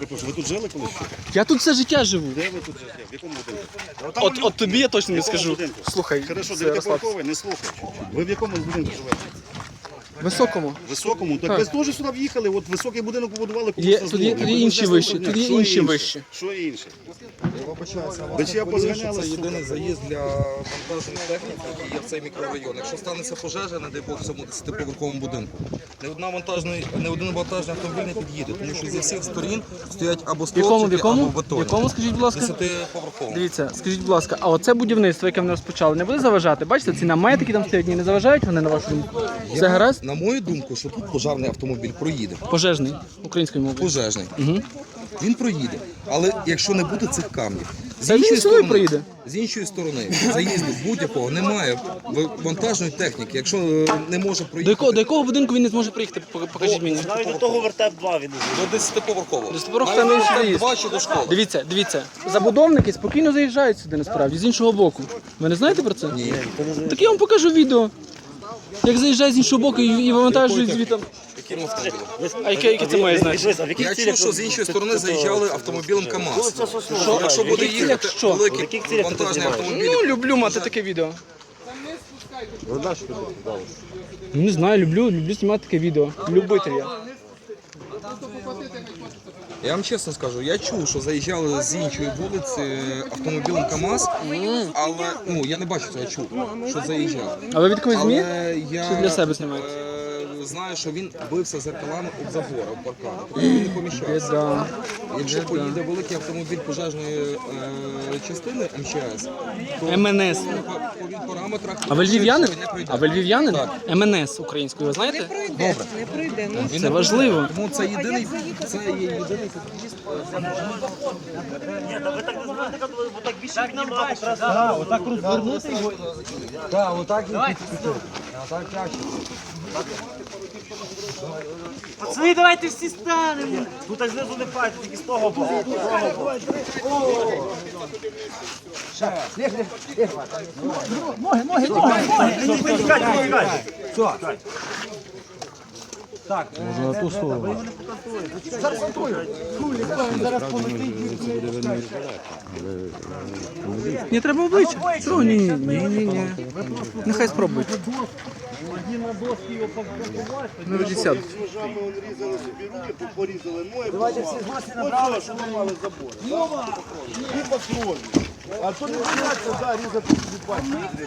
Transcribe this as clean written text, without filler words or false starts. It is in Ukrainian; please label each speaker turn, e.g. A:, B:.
A: перепрошую, ви тут жили колись?
B: Я тут все життя живу.
A: Де ви тут жили? В якому будинку?
B: От тобі я точно не скажу.
A: Будинку?
B: Слухай,
A: Хорошо,
B: це розслабся.
A: дев'ятиповерховий, не слухай. Ви в якому будинку живете?
B: Високому.
A: Високому? Так ви теж сюди в'їхали, от високий будинок побудували,
B: Є,
A: комусь
B: тут є інші вищі, тут є інші вищі.
A: Що інше?
C: Я вибачаюся,
A: Ви чи я позганяли?
C: це єдиний заїзд для вантажної техніки, який є в цей мікрорайон. Якщо станеться пожежа, не дай Бог, в цьому 10-поверховому будинку, не один вантажний автомобіль не під'їде, тому що зі всіх сторін стоять або стовпчики, або
B: В
C: бетоні.
B: якому, скажіть, будь ласка?
C: 10-поверховому.
B: Дивіться, скажіть, будь ласка, а оце будівництво, яке вони розпочали, не буде заважати? Бачите, ці намети, які там стоять, не заважають вони на вашу думку? Все гаразд?
C: На мою думку, що тут пожежний автомобіль проїде.
B: Пожежний, українською мовою.
C: Пожежний. Він проїде. Але якщо не буде цих камнів,
B: Це він сюди проїде.
C: з іншої сторони, заїзду будь-якого немає вантажної техніки. Якщо не може проїхати
B: До якого будинку він не зможе приїхати? Покажіть мені.
D: Навіть до того вертеп 2 він.
C: до 10-поверхового.
B: Десятиповерховий там інший заїзд.
C: 2 чи до школи.
B: Дивіться, забудовники спокійно заїжджають сюди насправді, з іншого боку. Ви не знаєте про це?
C: Ні.
B: Так я вам покажу відео. Як заїжджають з іншого боку і вивантажують звітом.
C: Яким автомобілем?
B: А яке це має значення?
D: А в яких
C: Я
D: цілях?
C: чув, що з іншої сторони заїжджали автомобілем КАМАЗ.
D: Що?
C: Якщо буде
B: цілях
C: їхати
B: що?
D: В
C: великий
D: яких цілях ти
C: вантажний
D: знімаєш?
C: автомобіль,
B: Ну, люблю мати таке відео. Ну, не знаю, люблю знімати таке відео. Любитель я.
C: я вам чесно скажу, я чув, що заїжджали з іншої вулиці автомобілем КАМАЗ, але ну я не бачив цього, я чув, що заїжджав.
B: А ви від когось змі?
C: Але я
B: Чи для себе знімаєте?
C: знаю, що він бився зеркалами об забор, об паркан. Він не поміщався.
B: Біда.
C: Якщо поїде великий автомобіль пожежної частини МЧС, то
B: МНС.
C: по параметрах
B: А ви львів'янин?
C: не пройде.
B: А ви львів'янин? МНС українською, ви знаєте?
C: Добре.
E: Не пройде. Ну,
C: Він
B: Це
C: не
B: важливо.
C: пройде. Тому це єдиний, це є єдиний під'їзд.
D: Ні, та ви так не знаєте, бо так більше піднімати. Отак розвернути його.
C: Так, отак він підпитує. А так краще.
D: Пацани, давайте всі станемо. Тут так знизу не пальці, тільки з того боку. Ноги. Тікайте. Так. Можна на ту сторону.
B: Не треба обличчя. Чого? Ні. Нехай спробують. Ну, вже сядуть.
A: Ножами різали собі руки, порізали ноги. Давайте всі з маси набрали, що ми мали забор. І по крові. А то не бояться, да, різати собі пальці.